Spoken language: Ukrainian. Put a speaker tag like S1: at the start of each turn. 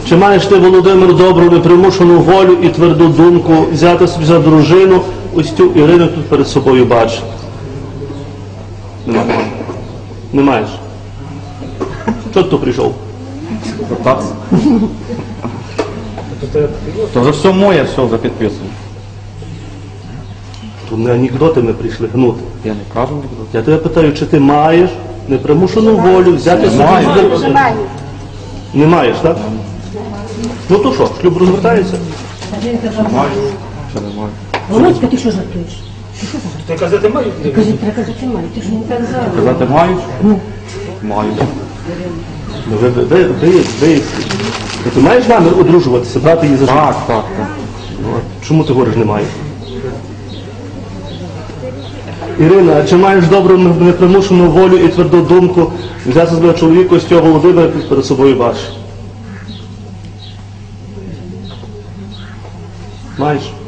S1: Чи маєш ти, Володимир, добру, непримушену волю і тверду думку взяти собі за дружину ось цю Ірину тут перед собою бачиш? Немає. Не маєш. Чого ти тут прийшов?
S2: Так. То вже все моє, все вже підписано.
S1: Тут не анекдоти ми прийшли гнути.
S2: Я не кажу анекдот.
S1: Я тебе питаю, чи ти маєш непримушену волю взяти собі за дружину? Не маєш, так? Ну то що, шлюб розвертається?
S2: Маю. Ще не маю.
S3: Володька, ти що жартуєш?
S4: Ти казати маю?
S3: Треба казати маю, ти ж не так зараз.
S2: Казати маю? Маю.
S1: Ну, ти маєш намір одружуватися, брати її за життя?
S2: Так.
S1: Ну, а чому ти говориш, не маєш? Ірина, а чи маєш добру непримушену волю і тверду думку взяти себе чоловіка ось цього Володимира перед собою бачиш? Маєш?